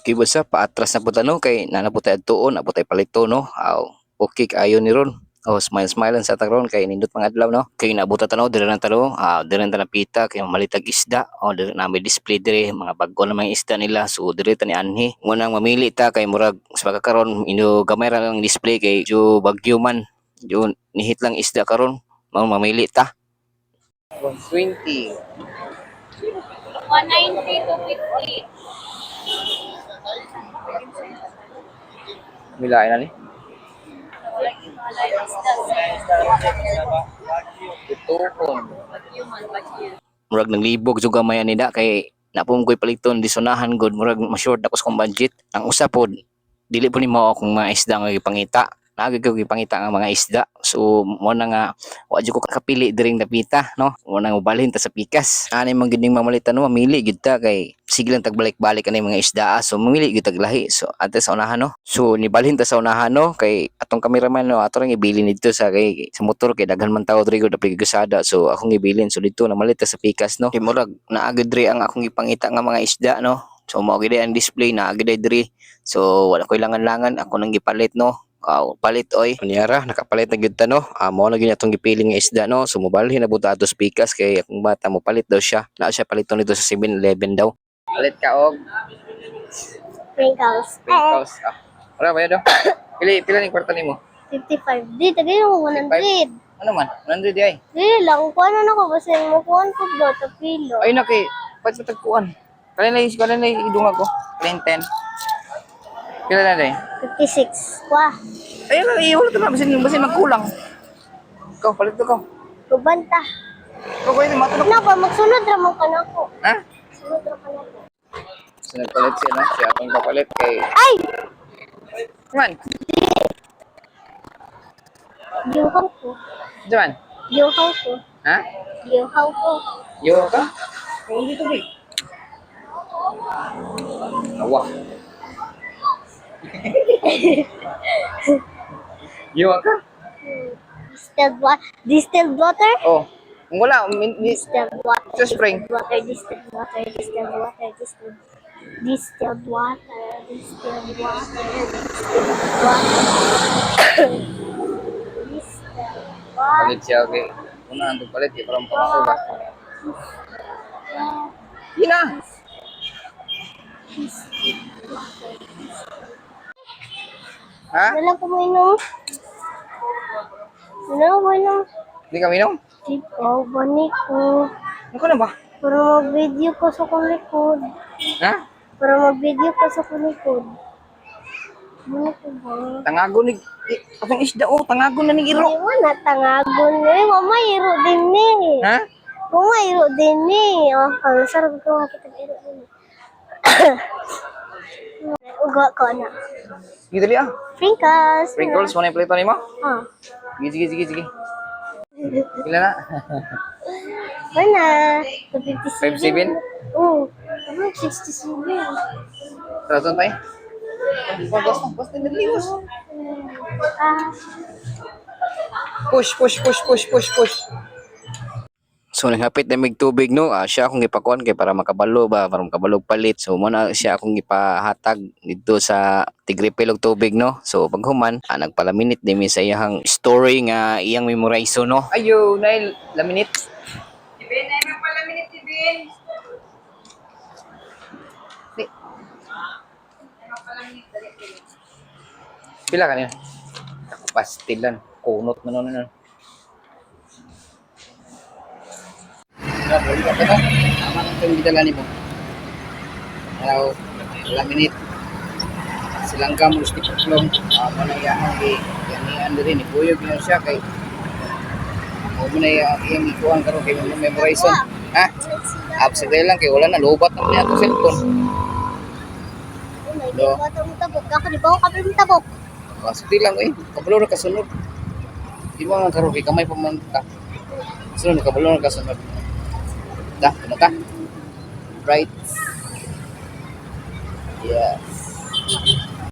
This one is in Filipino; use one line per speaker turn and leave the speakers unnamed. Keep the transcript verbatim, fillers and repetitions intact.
Okay ba sa paatras na po no kay nanaputay adtuon na putay palito no. Aw, okay kaayo ni ron. Oh, smile smile sa tagron kay nindot mga adlaw no. Kay nabuta tanaw diri na tanaw, ah diri na napita kay malitag isda. Oh, diri na may display diri mga bag-o na mga isda nila. So diri ta ni anhi. Ngunang mamili ta kay murag sa pagkakaron ino gamay ra lang display kay jo bagyo man. Jo nihit lang isda karon. Mao mamili ta. one twenty.
one ninety to fifty.
Milain na ni. Murag naglibog jud gamay ani da kay napum koy paliton disonahan god murag ma-short ako sa kong budget. Ang usa pod dili po ni mao akong mga isda nga gipangita. Naagay ko gipangita nga mga isda. So mo na nga wa jud ko kapili diring napita no. Mo na ubalhin ta sa pikas. Ani man gid ning mamalitan no mamili gid ta kay sige lang tagbalik-balik ani mga isda. So mamili gid tag lahi. So ante sa unahan no. So nibalhin ta sa unahan no kay atong cameraman no ato lang ibilin dito sa kay sa motor kay daghan man tawo diri gud apil gusada. So akong ibilin so dito na malit ta sa pikas no. Kay murag naagid diri ang akong ipangita nga mga isda no. So mao gid ang display na agad diri. So wala ko langan-langan ako nang gipalit no. Aw, palit oy. Kunyara nakapalit na gyud ta no. Amo na gyud atong gipiling nga isda no. So mobalhin na buta ato sa pikas kay akong bata mo palit daw siya. Naa siya paliton dito sa seven eleven daw. Palit ka og
Sprinkles.
sprinkles. Ah. Ora ba daw? Pili pila ning kwarta nimo?
fifty-five. Di, tagay mo one hundred.
Ano man? one hundred ay.
Di lang, kuha na na ko kasi mo kuha ko ba ito kilo.
Ay na kay pat sa tagkuan. Kanina is kanina idung ako. ten. Pila na day?
fifty-six. Wah,
Ayun na, iwala ito na. Basin, basin magkulang. Ikaw, palit ito ko.
kubanta.
Ikaw, pwede matulog.
Na ba, magsunod ramang ka na ko.
Ha?
Sunod ramang ka na ko.
So, nagpalit siya, no? Siya akong kapalit kay...
Ay!
Man,
Yuhaw ko.
Diyan.
Yuhaw ko.
Ha?
Yuhaw ko.
Yo ka? Kung dito, big. Awa. Yo ka?
Distilled water. Distilled water?
Oh. Kung wala, min, min,
Distilled water.
Sa spring.
Distilled water. Distilled water. Distilled water. Distilled Distilled water. Distilled water. Distilled water. Distilled water.
palit siya, okay. Una, ang palit, di parang pamakuha. Yun na! Ha?
Wala ko mainom. Wala ko mainom.
Hindi ka minom?
Ikaw, bani ko.
Ano ka na ba?
Para mag-video ko sa kong likod.
Ha?
Para mag-video ko sa kong likod. Bani ko ba?
Tangago ni... Eh, atong isda, oh. Tangago na ni Iro.
Hindi mo na tangagon eh. Mama, iro din eh.
Ha?
Mama, iro din eh. Oh, ang sarap ko makita iro din. Uga ko na.
Sige, dali ah.
Sprinkles.
Sprinkles, mo na yung plito ni mo?
Ah.
Sige, sige, sige, sige. Pila na?
Wala. fifty-seven.
five seven?
Oo. Ano, sixty-seven.
Taraton tayo? Pagkas na, basta nagliwas.
Ah.
Push, push, push, push, push, push. So naghapit na mig tubig no, ah, siya akong ipakuan kay para makabalo ba, para makabalog palit. So mo na siya akong ipahatag dito sa tigripil og tubig no. So paghuman, ah, nagpalaminit din mi sa iyang story nga iyang memorize no. Ayo, nail laminit. Ibin ay magpalaminit ibin. Pila kanina? Pastilan, kunot man nun. Ya, boleh ka ba? Tama lang itong gitala ni mo. Araw, ilang minit. Silang ka mo stick long. Ako na iyahang kay Yanian din. Ipuyog yun siya kay ako na iyang ikuhan karon kay memorize. Ha? Absent lang kay wala na. Lobat na niya itong cellphone.
Do. Bato mo tabok. Ako di ba ako kapil mo tabok?
Pasti lang eh. Kabalo na kasunod. Di ba nga karon kay kamay pa man ka. Sunod kabalo na kasunod. Dah, ano ka? Right. Yes.